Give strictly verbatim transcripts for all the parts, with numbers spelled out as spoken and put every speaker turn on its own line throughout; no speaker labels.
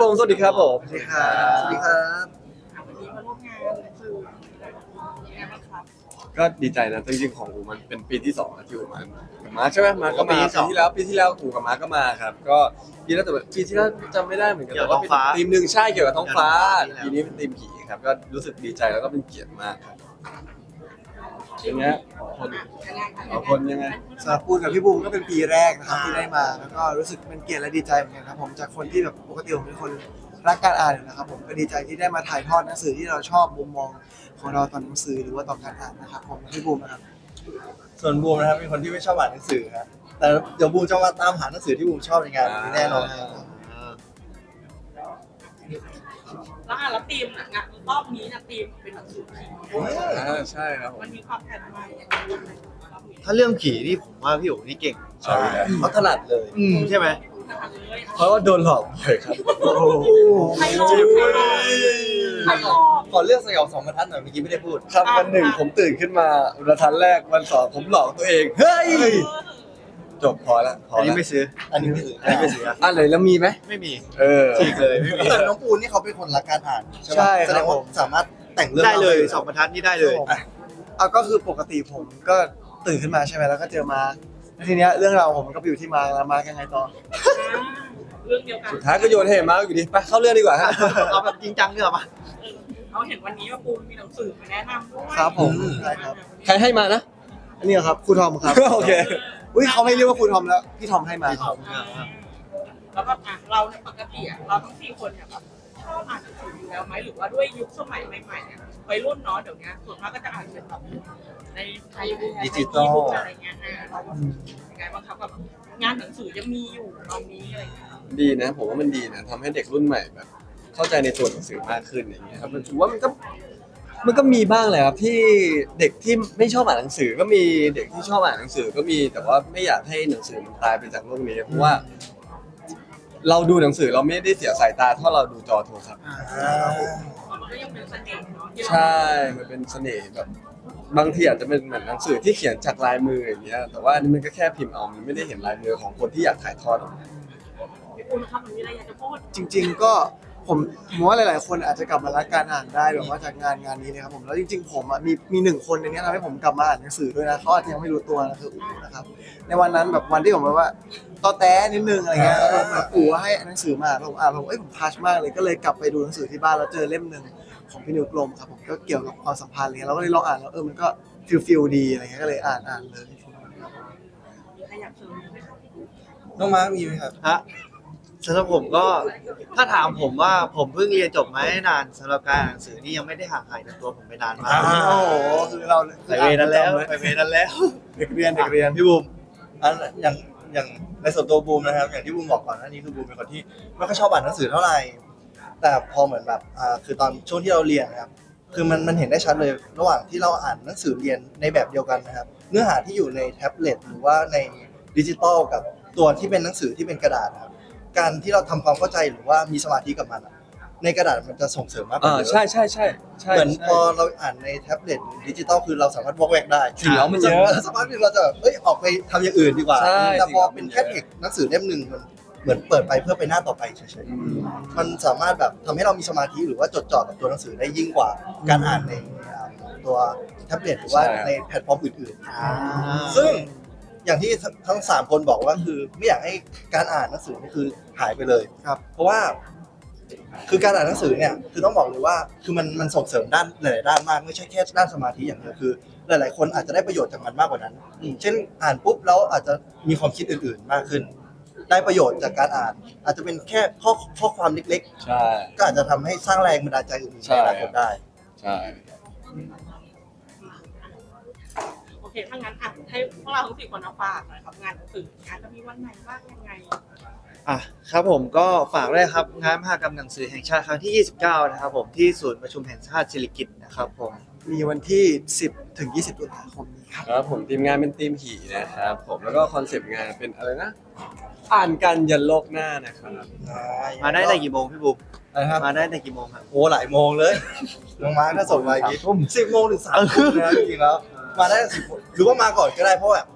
ผมสวัสดีครับผม
สวัสดีครับสวัสดีครับ
วันนี้มาร่วมงานคือยังไงบ้างครับ
ก็ดีใจนะจริงๆของอูมันเป็นปีที่สองแล้วที่อูมากับมาร์คใช่ไหมมาร์คก็มา
ปี
ปี
ที่สอง
ที่แล้วปีที่แล้วอูกับมาร์คก็มาครับก็ปีแล้วแต่ว่าปีที่แล้วจำไม่ได้เหมือนกัน
เกี่ยว
แต่
กับ
ว่าเป็น
ท้องฟ้า
ทีมหนึ่งใช่เกี่ยวกับท้องฟ้า
เกี่ยวกับท้องฟ้า
ปีนี้เป็นทีมผีครับก็รู้สึกดีใจแล้วก็เป็นเกียรติมากครับอย่างเงี้ยคน
ยังไงคะ
เอาคนยังไง
สำหรับปูนกับพี่บูมก็เป็นปีแรกนะครับที่ได้มาแล้วก็รู้สึกเป็นเกียรติและดีใจเหมือนกันครับผมจากคนที่แบบปกติผมเป็นคนรักการอ่านอยู่นะครับผมก็ดีใจที่ได้มาถ่ายทอดหนังสือที่เราชอบมุมมองของเราต่อหนังสือหรือว่าต่อการอ่านนะครับผมพี่บูมนะครับ
ส่วนบูมนะครับเป็นคนที่ไม่ชอบอ่านหนังสือครับแต่เดี๋ยวบูมจะมาตามหาหนังสือที่บูมชอบในงานนี้แน่นอนครับ
แล้วอ่ะแล้วทีมน่ะงานรอบนี้นะทีมเป็นหนังสือผี
อ่าใช่ครับผม
มันมีความแปลกใหม่ยังไงบ้างไหมรอบนี้
ถ้าเรื่องผีนี่ผมว่าพี่โอ๋นี่เก่ง
ใช่
เขาถนัดเลย อืมใช่ไหม
นะคะเลย
เพราะว่าโดนหลอกบ่อยครับ
ใครหลอกใครหลอกใครหลอก
ขอเรื่องสยองสองบรรทัดหน่อยเมื่อกี้ไม่ได้พูด
ครับวันหนึ่งผมตื่นขึ้นมาบรรทัดแรกวันสองผมหลอกตัวเองเฮ้ย
เออ
จบพอละพอ
อันนี้
ละ
ไม่ซื้อ อันนี้ไม่ซื้อ อันนี้ไม่ซื้อ
อ่ะเลยแล้วมีไหม
ไม่มี
เออ
ฉีกเลยไม่มีแต่น้องปูนนี่เขาเป็นคนรักการอ่านใช่ไหม
ใช่ครับ
แสดงว่าสามารถแต่งเรื่อง
ได้เลย
รา
สองบรรทัดนี่ได้เลย
อ่ะเอาก็คือปกติผมก็ตื่นขึ้นมาใช่ไหมแล้วก็เจอมาแล้วทีเนี้ยเรื่องราวผมมันก็ไปอยู่ที่มาแล้วมายังไงต่อ
เรื่องเดียวกัน
สุดท้ายก็โยนให้มาร์คอยู่ดีไปเข้าเรื่องดีกว่าฮะ
เอาแบบจริงจังเถอะปะ
เออเขาเห็นวันนี้ว่าปูมีหนังสือมาแนะนำด้วย
ครับผมใช่ครับ
ใครให้มานะ
อันนี้ครับครูทอมครับ
โอเค
อุ้ยเขาไม่เรียกว่าครูทอมแล้วพี่ทอมให้มาครับ
เออแล้วก็อ่ะเราเนี่ยปกติอ่ะเราทั้งสี่คนเนี่ยแบบชอบอ่านหนังสืออยู่แล้วไหมหรือว่าด้วยยุคสมัยใหม่ๆเนี่ยวัยรุ่นเนาะเดี๋ยวนี้ส่วนมากก็จะอ่านเป็นแบบในไทย
ดิจิตอล
อะไรเงี้ยอ่ะเราก็ยังไงบ้างครับแบบงานหนังสือยังมีอยู่ตอนนี้อะไรเงี้ย
ดีนะผมว่ามันดีนะทำให้เด็กรุ่นใหม่แบบ เข้าใจในตัวหนังสือมากขึ้นอย่างเงี้ยครับมันถือว่ามันก็มันก็มีบ้างแหละครับที่เด็กที่ไม่ชอบอ่านหนังสือก็มีเด็กที่ชอบอ่านหนังสือก็มีแต่ว่าไม่อยากให้หนังสือมันตายไปจากโลกนี้เพราะว่า เราดูหนังสือเราไม่ได้เสียสายตาเท่าเราดูจอโทรศัพท์
มันก็ยังเป็นเสน่ห์เนาะที่เรา
ใช่ มันเป็นเสน่ห์แบบบางทีอาจจะเป็นเหมือนหนังสือที่เขียนจากลายมืออย่างเงี้ย แต่ว่าอันนี้มันก็แค่พิมพ์เอา มันไม่ได้เห็นลายมือของคนที่อยากถ่ายทอดออกมา
พี่ปูนะครับมันมีอะไรอยากจะพูด
จริง ๆ ก็ผมผมว่าหลาย ๆ คนอาจจะกลับมารักการอ่านได้แบบว่าจากงานงานนี้นะครับผมแล้วจริง ๆ ผมอ่ะมีมีหนึ่งคนในนี้ทำให้ผมกลับมาอ่านหนังสือด้วยนะเขาอาจจะยังไม่รู้ตัวนะคืออู๋นะครับในวันนั้นแบบวันที่ผมแบบว่าตอแต้นิดนึงอะไรเงี้ยแล้วแบบอู๋ให้หนังสือมาแล้วผมอ่านแล้วผมเอ้ยผมทัชมากเลยก็เลยกลับไปดูหนังสือที่บ้านแล้วเจอเล่มหนึ่งของพี่นิวกลมครับผมก็เกี่ยวกับความสัมพันธ์อะไรเงี้ยเราก็เลยลองอ่านแล้วเออมันก็ฟิลฟิลดีอะไรเงี้ยก็เลยอ่านอ่านเลย
มีใครอยากเสริมไหมครับ
น้องมาร์คมีไหมครับ
ฮะสำหรับผมก็ถ้าถามผมว่าผมเพิ่งเรียนจบมาไม่นานสำหรับการอ่านหนังสือนี่ยังไม่ได้ห่างหายจากตัวผมไปนานมาก
อ่า
โอ้โหคือเรา
ไปเวนั้นแล้วไปเวนั้นแล้ว
เด็กเรียนเด็กเรียน
พี่บูมอันอย่างอย่างในส่วนตัวบูมนะครับ อย่างที่บูมบอกก่อนหน้านี้คือบูมเป็นคนที่ไม่ค่อยชอบอ่านหนังสือเท่าไหร่ แต่พอเหมือนแบบอ่าคือตอนช่วงที่เราเรียนนะครับ คือมันมันเห็นได้ชัดเลยระหว่างที่เราอ่านหนังสือเรียนในแบบเดียวกันนะครับ เนื้อหาที่อยู่ในแท็บเล็ตหรือว่าในดิจิตอลกับตัวที่เป็นหนังสือที่เป็นกระดาษนะครับ การที่เราทำความเข้าใจหรือว่ามีสมาธิกับมันอะในกระดาษมันจะส่งเสริมมากกว่า
อ่า
เยอะ
ใช่ใช่ใช่ใช่
เหมือน
ใช่
พอเราอ่านในแท็บเล็ตหรือดิจิตอลคือเราสามารถวอกแวกได้
สีเหลืองมันเยอะ
สักพักหนึงเราจะแบบเอ้ยออกไปทำอย่างอื่นดีกว่า
ใช่
แต่พอ
สีเหลืองมั
เป็น น
เยอะ
แค่เอกหนังสือเล่มหนึ่งมันเหมือนเปิดไปเพื่อไปหน้าต่อไปเฉย
อืม
ๆมันสามารถแบบทำให้เรามีสมาธิหรือว่าจดจ่อกับตัวหนังสือได้ยิ่งกว่าการอ่านในอ่าตัวแท็บเล็ตหรือว่าในแพลตฟอร์มอื่นๆ ซึ่งอย่างที่ทั้งสามคนบอกว่าคือไม่อยากให้การอ่านหนังสือนี่คือหายไปเลย
ครับ
เพราะว่าคือการอ่านหนังสือเนี่ยคือต้องบอกเลยว่าคือมันมันส่งเสริมด้านหลายๆด้านมากไม่ใช่แค่ด้านสมาธิอย่างเดียวคือ หลาย ๆ คนอาจจะได้ประโยชน์จากมันมากกว่านั้นอืมเช่นอ่านปุ๊บแล้วอาจจะมีความคิดอื่น ๆ มากขึ้น ได้ประโยชน์จากการอ่าน อาจจะเป็นแค่ข้อข้อความเล็ก
ใช่
ๆ ก็อาจจะทำให้สร้างแรงบันดาลใจอื่นๆ
ใช่
ในอนาคตได้
ใช่
โอเคถ้างั้นอ่ะให้พวกเราทั้งสี่คนเอาฝากหน่อยครับงานหนังสืองานจะมีวันไหนบ้างยังไง
อ่ะครับผมก็ฝากด้วยครับงานมหกรรมหนังสือแห่งชาติครั้งที่ยี่สิบเก้านะครับผมที่ศูนย์ประชุมแห่งชาติสิริกิติ์นะครับผม
มีวันที่ สิบ ถึง ยี่สิบ ตุลาคมนี้ครับ
ครับผมทีมงานเป็นทีมผีนะครับผมแล้วก็คอนเซปต์งานเป็นอะไรนะ อ่านกันยันโลกหน้านะครับ
มาได้แต่กี่โมงพี่บุ๊ก
อะไรครับ
มาได้แต่กี่โมงครับ
โอ้หลายโมงเลยน้องมาร์คถ้าส่งมาอย่างนี้สิบโมงถึงสามทุ่มนะจริงๆแล้ว มาได้สิบหรือว่ามาก่อนก็ได้เพราะแบบ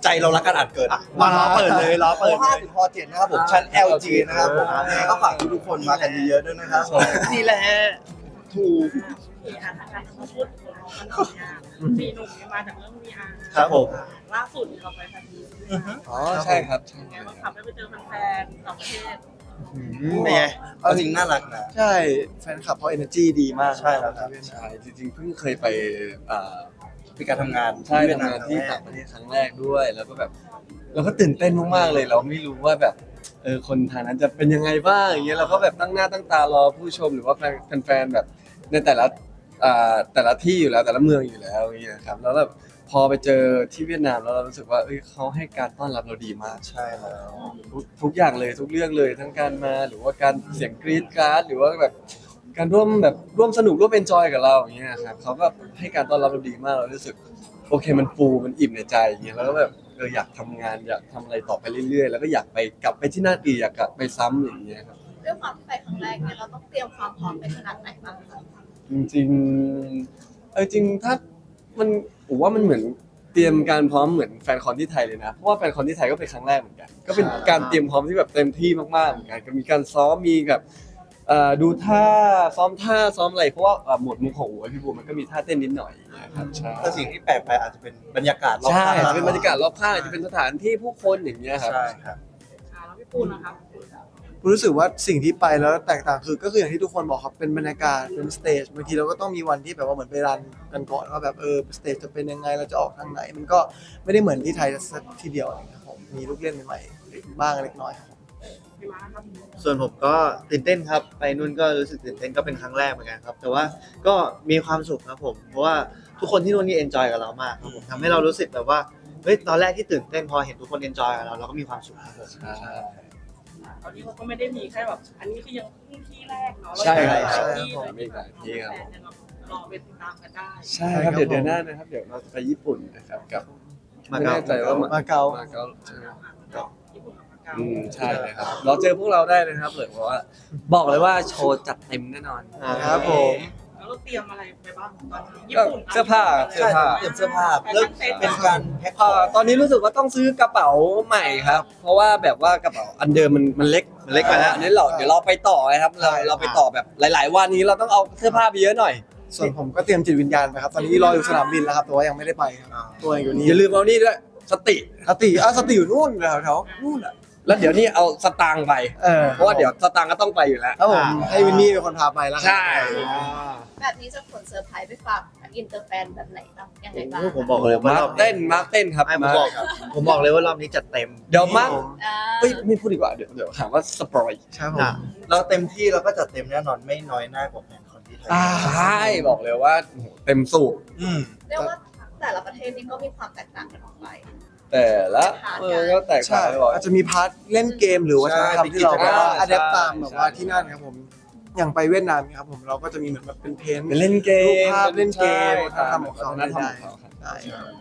ใจเรารักการอ่านเกิน
มาล้อเปิดเลยล้อเปิด
ห้า
เลย
ถึงพอเจ็ดนะครับผมชั้น แอล จี นะครับผมยังไงก็ฝากทุกๆคนมากันเยอะๆด้วยนะครับผม
นี่แหละถูก
มีอาทางการพูดของเรามันเอาเนี่ยสี่หนุ่มเนี่ยมาจากเรื่องวีอาร์
ครับผม
ล่าสุดเราไปแฟนมีต
อ๋อใช่ครับใช่
ไง
ค
บ้างค
รั
รับบ ได้ไปเจอแฟนๆต่างประเทศ
เป็นไง
เอาจริงน่ารักนะ
ใช่แฟนคลับเขา energy ดีมาก
ใช่ครับ
ใช่จริงๆเพิ่งเคยไปอ่า
มีการทำงาน
ใช่ทำงานที่ต่างประเทศครั้งแรกด้วย แล้วก็แบบเราก็ตื่นเต้นมากๆเลย เราไม่รู้ว่าแบบเออคนทางนั้นจะเป็นยังไงบ้างอย่างเงี้ยเราก็แบบตั้งหน้าตั้งตารอผู้ชมหรือว่าแฟนแฟนๆแบบในแต่ละอ่าแต่ละที่อยู่แล้วแต่ละเมืองอยู่แล้วอย่างเงี้ยครับแล้วแบบพอไปเจอที่เวียดนามแล้วเรารู้สึกว่าเอ้ยเขาให้การต้อนรับเราดีมาก
ใช่แล้ว
ทุกทุกอย่างเลยทุกเรื่องเลยทั้งการมาหรือว่าการเสียงกรี๊ดกราร์ดหรือว่าแบบการร่วมแบบร่วมสนุกร่วมเอนจอยกับเราอย่างเงี้ยครับเขาก็ให้การต้อนรับเราดีมากเรารู้สึกโอเคมันฟูมันอิ่มในใจอย่างเงี้ยแล้วก็แบบเอออยากทำงานอยากทำอะไรต่อไปเรื่อยๆ แล้วก็อยากไปกลับไปที่นั่นอีกอยากกลับไปซ้ำอย่างเงี้ยครับ
ด้วยความที่ไปครั้งแรกเนี่ยเราต้องเตรียมความพร้อมไปขนาดไหนบ้างคะ
จริงๆเออจริงถ้ามันผมว่ามันเหมือนเตรียมการพร้อมเหมือนแฟนคอนที่ไทยเลยนะเพราะว่าแฟนคอนที่ไทยก็เป็นครั้งแรกเหมือนกันก็เป็นการเตรียมพร้อมที่แบบเต็มที่มากๆเหมือนกันก็มีการซ้อมมีแบบเอ่อดูท่าซ้อมท่าซ้อมอะไรเพราะว่าเอ่อหมวดมุกของอู๋พี่บูมมันก็มีท่าเต้นนิดหน่อยอย่างเงี้ยครับใช่
แต่สิ่งที่แปลกไปอาจจะเป็นบรรยากาศรอบ
ใช่
ข้าง
จะเป็นบรรยากาศรอบข้างจะเป็นสถานที่ผู้คนอย่างเงี้ยครับ
ใช่ครับ
อ่าแล้วพี่ปูนนะครับ
ผมรู้สึกว่าสิ่งที่ไปแล้วแตกต่างคือก็คืออย่างที่ทุกคนบอกครับเป็นบรรยากาศเป็นสเตจบางทีเราก็ต้องมีวันที่แบบว่าเหมือนไปรันกันก่อนว่าแบบเออสเตจจะเป็นยังไงเราจะออกทางไหน มันก็ไม่ได้เหมือนที่ไทยสักทีเดียวอะไรครับผมมีลูกเล่นใหม่ๆบ้างเล็กน้อยครับ
พี่มาร์คครับ
ส่วนผมก็ตื่นเต้นครับ ไปนู่นก็รู้สึกตื่นเต้นก็เป็นครั้งแรกเหมือนกันครับ แต่ว่าก็มีความสุขครับผม เพราะว่าทุกคนที่นู่นนี่เอนจอยกับเรามากครับผมทำให้เรารู้สึกแบบว่าเฮ้ยตอนแรกที่ตื่นเต้นพอเห็นทุกคนเอนจอยกับเราเราก็มีความสุขครับผม
ตอนนี้เขาก็ไม่ได้มีแค่แบบอันนี้คือยังเพิ่งที่แรกเนาะ
ใช่ครับ
เรา
ใช่
ยัง
ครับ
มี
ผมมีหลายที่ครับ
แฟนยังรอไปติดตามกันได้
ใช่ครับเดี๋ยวเดือนหน้านะครับเดี๋ยวเราจะไปญี่ปุ่นนะครับกับ
มา
ไม่
เก๊า
แน่ใจว่า
มาเก๊า
มาเก๊าใช่ไหม
ญี่ปุ่นกับมาเก๊า
อืมใช่เลยครับเราเจอพวกเราได้นะครับเลยเพราะว่าบอกเลยว่าโชว์จัดเต็มแน่นอน
ครับผม
แล้วเราเตรียมอะไรไปบ้างตอนนี้ญี่
ก็
ปุ่น
เสื้อผ้า
ใช่ครับเตรียมเสื้อผ้าเริ่มเป็นการแพ็คข
เอ่
อง
อตอนนี้รู้สึกว่าต้องซื้อกระเป๋าใหม่ครับ เพราะว่าแบบว่ากระเป๋าอันเดิมมันมันเล็ก
มันเล็กไปแล้ว
อันนี้เราเดี๋ยวเราไปต่อนะครับเราเราไปต่อแบบหลาย ๆ วันนี้เราต้องเอาเสื้อผ้าไปเยอะหน่อย
ส่วนผมก็เตรียมจิตวิญญาณไปครับ ตอนนี้รออยู่สนามบินแล้วครับแต่ว่ายังไม่ได้ไปครับตัวเองอยู่นี่
อย่าลืมเอานี่ด้วยสติ
สติอ่ะสติอยู่นู่นแถวแถวๆนู่นอ่ะ
แล้วเดี๋ยวนี้เอาสตางค์ไป
เออ
เพราะว่าเดี๋ยวสตางค์ก็ต้องไปอยู่แล้ว
ครับผมให้วินนี่เป็นคนพาไปแล้วครับ
ใช่
แบบนี้จะขนเซอร์ไพรส์ไปฝากอินเตอร์แฟนแบบไหนบ้างยังไงบ้าง
โอ้ผมบอกเลยว่า
มาร์
ร
ค
อบ
เต้นมาร์คเต้นครับ
ไม่ผม
มาร์ค
บอกผมบอกเลยว่ารอบนี้จัดเต็ม
เดี๋ยวมาร์ค
อ่า
เฮ้ยไม่พูดดีกว่าเดี๋ยวเดี๋ยวถามว่าสปอย
ครับผม
อ่ะ
เราเต็มที่เราก็จัดเต็มแน่นอนไม่น้อยหน้ากว่าแฟนคอนที่ไทย
ใช่บอกเลยว่าโอ้โหเต็มสูบ
อืม
เรียกว่าแต่ละประเทศนี่ก็มีความแตกต่างกันออกไป
แต่ละเออก็แตกต่า
ใช่
งไปบ่อย
อาจจะมีพาร์ทเล่นเกมหรือว่า
ใช่
ทำที่เราแบบว่า
ใช่
อัดแอปตามแบบว่า
ใช่
ที่นั่นครับผมอย่างไปเวียดนามเนี่ยครับผมเราก็จะมีเหมือนแบบเป็นเพนท์
เป็นเล่นเกม
รูปภาพเล่นเกม
ใช่
ทำของเขา
วัฒนธรรมของเขาครับ
ได้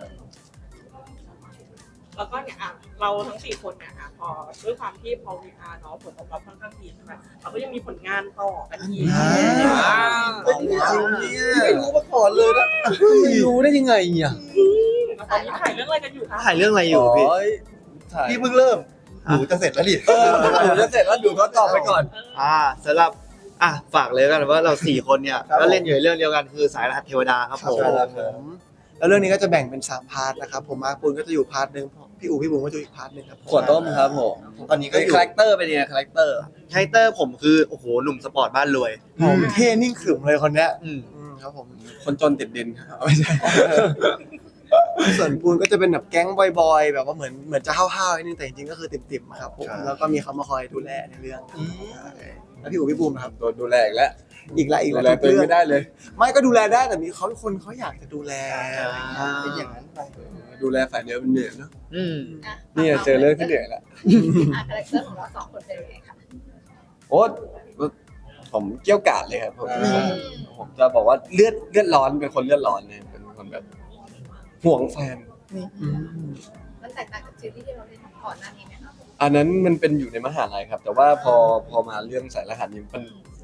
แล้วก็เนี่ยอ่ะเราทั้งสี่คนเนี่ยอ่ะพอด้วยความที่พอ วี อาร์ เนาะผลตอบรับค่อนข้างดีใช่ไหมเราก็ยังมีผลงานต่อกันอีก
อ่า
เป็นจริงเนี่ยไม่รู้มาก่อนเลยนะ
ไม่รู้ได้ยังไงอ่ะ
แล้วตอนนี้ถ่ายเรื่องอะไรกันอยู่คะ
ถ่ายเรื่องอะไรอยู่พี่
ถ่าย
พี่เพิ่งเริ่มหนูจะเสร็จแล้วดิ
เออดูจะเสร็จแล้วดูก็ตอบไปก่อน
เออ
อ่าสำหรับอ่ะฝากเลยกันว่าเราสี่คนเนี่ยก็เล่นอยู่ในเรื่องเดียวกันคือสายรหัสเทวดาครับ
ครับ
ผม
ผมแล้วเรื่องนี้ก็จะแบ่งเป็นสามพาร์ทนะครับผมมาร์คปูนก็จะอยู่พาร์ทหนึ่งพี่อู๋พี่บุ๋มก็จะอยู่อีกพาร์ทหนึ่งครับ
ขวดต้มครับผม
ตอนนี้ก็
เป็น
อยู่
คาแรคเตอร์เป็นยังไงคาแรคเตอร์
คาแรคเตอร์ผมคือโอ้โหหนุ่มสปอร์ตบ้านรวย
ผมเท่นิ่งขรึมเลยคนเนี้ย
อืม
อืมครับผม
คนจนติดดินครับไม่ใช่
ส่วนปูนก็จะเป็นแบบแก๊งบอยๆแบบว่าเหมือนเหมือนจะห้าวๆนิดนึงแต่จริงๆก็คือติ่มๆครับผมแล้วก็มีเขามาคอยดูแลในเรื่อง
อืม
ใช่แล้วพี่อู๋พี่บุ๋มนะครับ
โดนดูแลอีกแล้ว
อีกละอีก
ดู
ละ
แล
ทุก
ตัวเอง
เรื่อง
ไม่ได้เลย
ไม่ก็ดูแลได้แต่มีเขาเป็นคนเขาอยากจะดูแล
เป็นอย่างนั้นไป
ดูแลฝ่ายเดียวมันเหนื่อยเนาะ
อืม
อ่ะ
นี่เจอเรื่องที่เหนื่อยแล้ว
อ่ะคาแรคเตอร์ของเราสองคนเป็นยังไงคะ
โอ้ผมเกี้ยวกาดเลยครับผม
อืม
ผมจะบอกว่าเลือดเลือดร้อนเป็นคนเลือดร้อนเนี่ยเป็นคนแบบห่วงแฟน
อืม
มันแตกต่างจากซีรีส์ที่เราเล่นก่อนหน้านี้ไหมคะ
อันนั้นมันเป็นอยู่ในมหาลัยครับ แต่ว่าพอพอมาเรื่องสายรหัสนี่มัน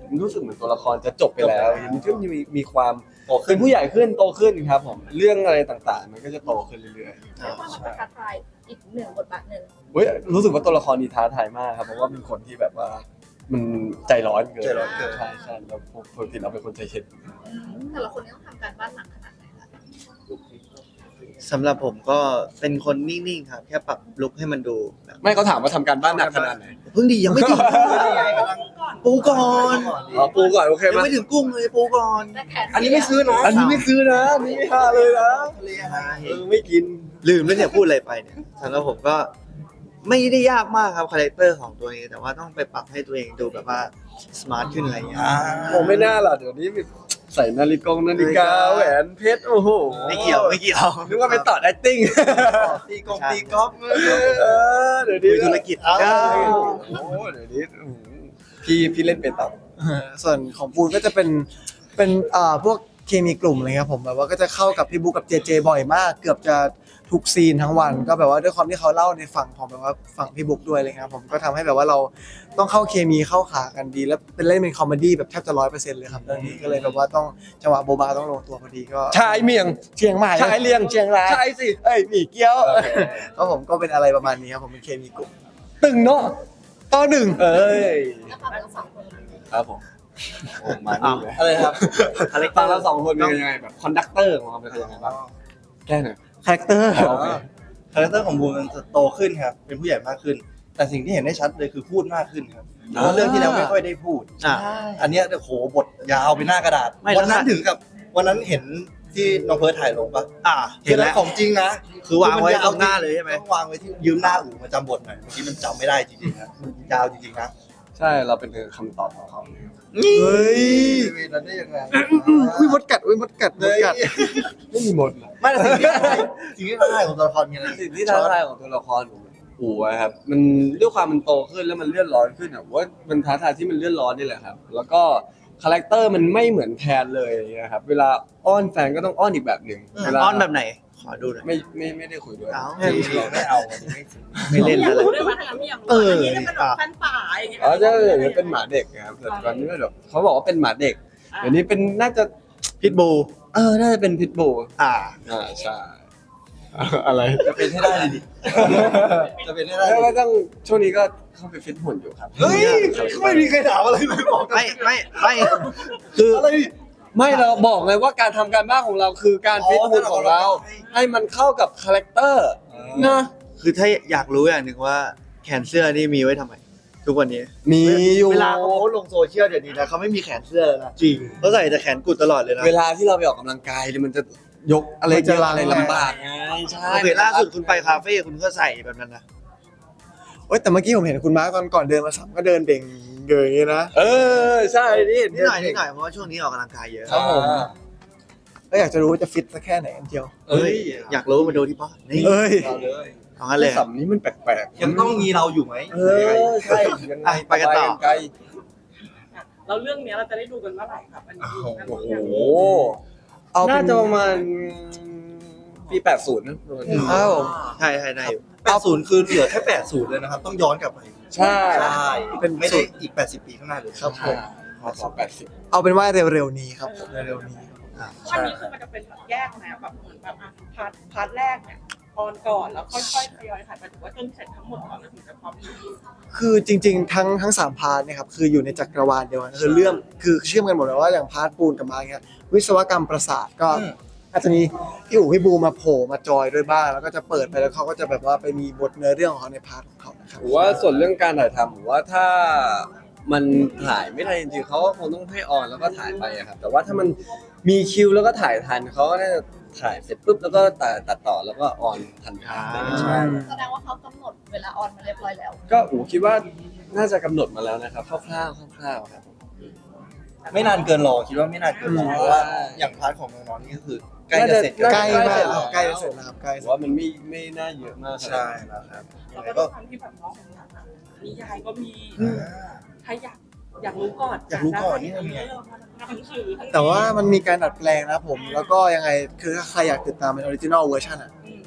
มันรู้สึกเหมือนตัวละครจะจบไปแล้วมันก็มีมีความ
โตขึ้
เป็น นผู้ใหญ่ขึ้นโตขึ้นครับผมเรื่องอะไรต่างๆ มันก็จะโตขึ้นเรื่อยๆ
เรียกว่ามันเป็นท้าทายอีกหนึ่งบทบาทหนึ่ง
เฮ้ยรู้สึกว่าตัวละครนี้ท้าทายมากครับเพราะว่าเป็นคนที่แบบว่า มันใจร้อนเกิน
ใจร้อนเกิน
ใช่ใช่แล้วปกติเราเป็นคนใจเย็น
แต่ละคนนี่ต้องทำการบ้านหนักขนาดไหนคะ
สำหรับผมก็เป็นคนนิ่งๆครับ แค่ปรับลุคให้มันดูแบบ
ไม่เขาถามว่าทำการบ้านหนักขนาดไหน
เพิ่งดียังไม่ถึงปูก่อน
อ๋อปูก่อนโอเค
ยัง
ไหม
ไม่ถึงกุ้งเลยปูก่อน
แต่แขน
อันนี้ไม่ซื้อนะอันนี้ไม่ซื้อนะอันนี้ไม่ห้าเลยนะเออไม่กิน
ลืมแล้วเนี่ยพูดอะไรไปเนี่ยสำหรับผมก็ไม่ได้ยากมากครับคาแรคเตอร์ของตัวนี้ แต่ว่าต้องไปปรับให้ตัวเองดูแบบว่าสมาร์ทขึ้นอะไรอย่างเงี้ย
ผมไม่น่าล่ะเดี๋ยวนี้ใส่นาฬิกานาฬิกาแหวนเพชรโอ้โห
ไม่เกี่ยวไม่เกี่ยว
นึกว่าไปต่อ acting
ตีกงตีกอล์ฟ
เออเดี๋ยวนี้
คุยธุรกิจ
เอ้า
ได้
โอ้โหเดี๋ยวนี้โอ้โหพี่พี่เล่นเป็นต่อ
ส่วนของปูนก็จะเป็นเป็นอ่าพวกเคมีกลุ่มอะไรครับผมแบบว่าก็จะเข้ากับพี่บุ๊กกับเจเจบ่อยมาก เกือบจะทุกซีนทั้งวันก็แบบว่าด้วยความที่เขาเล่าในฝั่งของแบบว่าฝั่งพี่บุ๊กด้วยเลยครับผมก็ทำให้แบบว่าเราต้องเข้าเคมีเข้าขากันดี แล้วเป็นเล่นเป็นคอมเมดี้แบบแทบจะร้อยเปอร์เซ็นต์เลยครับเรื่องนี้ก็เลยแบบว่าต้องจังหวะโบบาต้องลงตัวพอดีก็
ชายเมียง
เชียงใหม่
ชายเลียง
เชียงราย
ชายสิ
เอ้ยหมี่เกี๊ยวก็ผมก็เป็นอะไรประมาณนี้ครับผมเป็นเคมีกลุ่ม
ตึงเนาะต่อหนึ่งเอ้ย
แล้วความเป็นสองคน
ครับผมโอ้มาดีเลย
อะไรครับ
อะไรฟังเราสองคนเป็นยังไงแบบคอนดักเตอร์ของเราเป็นยังไงบ้างแก้หน่อย
คาแรคเตอร์
โอเค
คาแรคเตอร์ของบูมมันจะโตขึ้นครับ เป็นผู้ใหญ่มากขึ้น แต่สิ่งที่เห็นได้ชัดเลยคือพูดมากขึ้นครับเพราะว่าเรื่องที่แล้วไม่ค่อยได้พูด
อ่ะ
อันเนี้ยโอ้โหบทยาวไปหน้ากระดาษ
ไม่
วันนั้น
แล้วค่ะ
ถึงกับวันนั้นเห็นที่น้องเพิร์ทถ่ายลงปะ
อ่ะเห็นแล้ว
ของจริงนะ
คือวางไว้ตรงหน้าเลยใช่ไหม
ต้องวางไว้ที่ยืมหน้าอู่มาจำบทหน่อยเมื่อกี้มันจำไม่ได้จริงๆนะมันยาวจริงๆนะ
ใช่เราเป็นคำตอบของเขา
เฮ้ย
เวนั้นได้ยังไง
อุ้ยมดกัดอุ้ยมดกัดมดกัด
ไม่มีหมดนะ
ไม่แต่สิ่งที่ท้าทายสิ่งที่ท้าทายของตัวละครมีอะไร
สิ่งที่ท้าทายของตัวละครอู๋อะครับมันด้วยความมันโตขึ้นแล้วมันเลื่อนร้อนขึ้นอะว่ามันท้าทายที่มันเลื่อนร้อนนี่แหละครับ แล้วก็คาแรคเตอร์มันไม่เหมือนแทนเลยอย่างเงี้ยครับเวลาอ้อนแฟนก็ต้องอ้อนอีกแบบหนึ่งเวลา
อ้อนแบบไหน ขอดูหน่อย
ไม่ไม่ไม่ได้คุยด้วย
เอ้า
ไม่เอาไม่ซื้อ
ไม่เล่น
อยาก
แล้ว
รู้ด้วยว่าถ้างั้นไม่อยากรู้
เออ
อันนี้เป็นแบบฟันป่าอย่างเงี้ย
อ๋อใช่อย่างนี้เป็นหมาเด็กนะครับแต่ตอนนี้แบบเขาบอกว่าเป็นหมาเด็กเดี๋ยวนี้เป็นน่าจะ
พิทบู
เออน่าจะเป็นพิทบูล
อ่า
อ่าใช่อะไร
จะเป็นให้ได้เลยดิจะเป็นให้ได้
แล้ว
เล
ก็
ย
ต้องช่วงนี้ก็เข้าไปฟิตหุ่นอยู่ครับ
เฮ้ยไม่มีใครถามอะไรเลยบอก
ไม่ไม่ไม่คือ
อะไร
ไม่เราบอกเลยว่าการทำการบ้านของเราคือการฟิตหุ่นของเรา ให้มันเข้ากับคาแรคเตอร์นะ
คือถ้าอยากรู้อย่างหนึ่งว่าแขนเสื้อนี่มีไว้ทำไม ทุกวันนี้
มีอยู่
เวลาเขาโพสต์ลงโซเชียลเดี๋ยวนี้นะเขาไม่มีแขนเสื้อแล้วนะจริงเขาใส่แต่แขนกุดตลอดเลยนะ
เวลาที่เราไปออกกำลังกายเนี่ยมันจะยกอะไรเยอะอะไรลำบากไงใช่
โอเคล่าสุดคุณไปคาเฟ่คุณก็ใส่แบบนั้นนะ
โอ้ยแต่เมื่อกี้ผมเห็นคุณมาร์คตอนก่อนเดินมาสัมก็เดินเด่งเดินอย่างนี้นะ
เออใช่นี่
นิดหน่อยนิดหน่อยเพราะว่าช่วงนี้ออกกำลังกายเยอะ
ครับผม
ก็อยากจะรู้ว่าจะฟิตสักแค่ไหนกันเทียว
เอ้ย
อยากรู้มาดูที่ป้อนี่
เอ้ย
เอาเลย
ของนั้นเลย
สัมนี้มันแปลกๆ
ยังต้องมีเราอยู่ไหม
เออใช่ยังไง
ไปกันต่อ
ไกล
เราเรื่องเนี้ยเราจะได้ดูกันเมื่อไหร่ครับอันนี้
โอ้โห
เอาเป็น
น่าจะประมาณปีแปดสิบนะประมาณนี้
อ้าว
ใช่ใช่ได้อยู่
แปดศูนย์คือเหลือแค่แปดศูนย์เลยนะครับ ต้องย้อนกลับไป
ใช่
ใช่เป็นไม่ได้อีกแปดสิบปีข้างหน้าเลย
ครับผม
พอสองแปดสิบ
เอาเป็นว่าเร็วๆนี้ครับผมเร็วๆนี้
อันนี้คือมันจะเป็นแบบแยกนะแบบเหมือนแบบอ่ะพาร์ทพาร์ทแรกเนี่ยออนก่อนแล้วค่อยๆทยอยถ่ายไปถึงว่าจนเสร็จทั้งหมดก่อนแล้วถึงจะพร้อมดู
คือจริงๆ ทั้งทั้งสามพาร์ทเนะครับคืออยู่ในจักรวาลเดียวกันคือเรื่องคือเชื่อมกันหมดเลยว่าอย่างพาร์ทปูนกับมาร์คเนี่ยวิศวกรรมประสาทก็อาจจะมีพี่อู๋พี่บูมาโผล่มาจอยด้วยบ้างแล้วก็จะเปิดไปแล้วเขาก็จะแบบว่าไปมีบทเนื้อเรื่องของเขาในพาร์ทของเขานะครับ
ผมว่าส่วนเรื่องการถ่ายทำผมว่าถ้ามันถ่ายไม่ทันจริงๆเขาก็คงต้องให้ออนแล้วก็ถ่ายไปอะครับแต่ว่าถ้ามันมีคิวแล้วก็ถ่ายทันเขาก็น่าจะถ่ายเสร็จปุ๊บแล้วก็ตัดตัดต่อแล้วก็ออนทันทีใช่
แสดงว่าเขากำหนดเวลาออนมาเรียบร้อยแล้ว
ก็อู๋คิดว่าน่าจะกำหนดมาแล้วนะครับคร่าวๆคร่าวๆครับ
ไม่นานเกินรอคิดว่าไม่นานเกินรอเพราะว่าอย่างพาร์ทของน้องๆนี่ก็คือใกล้จะเสร็จ
น่า
ใก
จะ
ล้มาก
น่าจะ
ใกล้จะเสร็จแล้วครับใกล้
ผมว่ามันไม่ไม่น่าเยอะมาก
ใช่แล้วครับยั
แล้ว
งไง
ก็
ก็
ด้วยความที่แบบน้องของเราอะนิยายก็มีถ้าอยากอยากรู้ก่อน
อยากรู้ก่อนนี่ทำไง
เออมาหนังสือทั้ง
แต่ว่ามันมีการดัดแปลงนะผม แล้วก็ยังไงคือถ้าใครอยากติดตามเป็นออริจินอลเวอร์ชันอ่ะ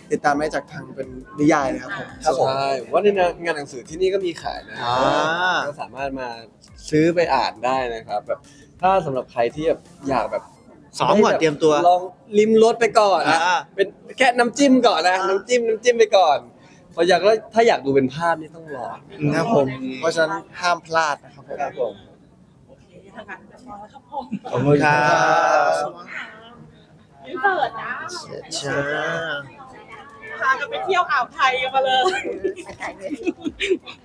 ติดตามได้จากทางเป็นนิยายนะครับผม
ครับผม
ใช่ผมว่าในงานหนังสือที่นี่ก็มีขายนะ
อ่า
ก็สามารถมาซื้อไปอ่านได้นะครับแบบถ้าสำหรับใครที่แบบอยากแบบ
ซ้อมก่อนเตรียมตัว
ลองลิมรสไปก่อนนะ
อ่า
เป็นแค่น้ำจิ้มก่อนนะน้ำจิ้มน้ำจิ้มไปก่อนพออยากแล้วถ้าอยากดูเป็นภาพนี่ต้องรอ
ครับผม เพราะฉะนั้นห้ามพลาดนะครับผม
ครับผม
โอเคทางการเรียบร้อยครับผม
ขอบคุณครับ
ยืนเปิดนะ
ช้า
พากันไปเที่ยวอ่าวไทยกันมาเลย
ถ่ายเลย